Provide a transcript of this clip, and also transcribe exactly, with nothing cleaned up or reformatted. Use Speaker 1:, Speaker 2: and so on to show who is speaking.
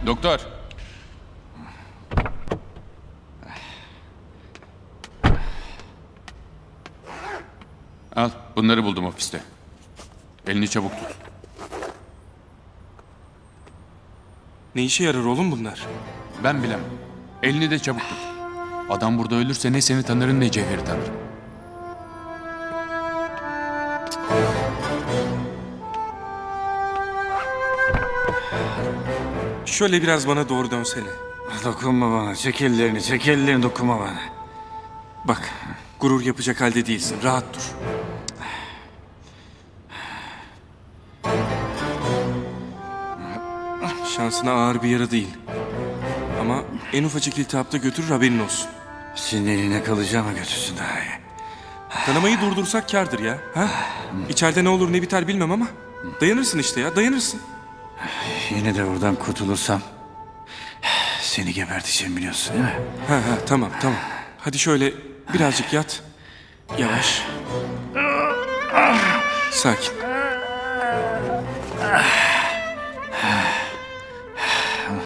Speaker 1: Doktor. Al, bunları buldum ofiste. Elini çabuk tut.
Speaker 2: Ne işe yarar oğlum bunlar?
Speaker 1: Ben bilemem. Elini de çabuk tut. Adam burada ölürse ne seni tanırım ne Cevher'i tanırım.
Speaker 2: Şöyle biraz bana doğru dönsene.
Speaker 3: Dokunma bana. Çek ellerini, çek ellerini, dokunma bana.
Speaker 2: Bak, gurur yapacak halde değilsin. Rahat dur. Şansına ağır bir yara değil. Ama en ufacık iltihapta götürür, haberin olsun.
Speaker 3: Senin eline kalacağıma götürsün daha iyi.
Speaker 2: Kanamayı durdursak kârdır ya. Ha? İçeride ne olur ne biter bilmem ama dayanırsın işte ya, dayanırsın.
Speaker 3: Yine de buradan kurtulursam seni geberteceğim biliyorsun değil mi?
Speaker 2: Ha ha tamam tamam. Hadi şöyle birazcık yat. Yavaş. Sakin.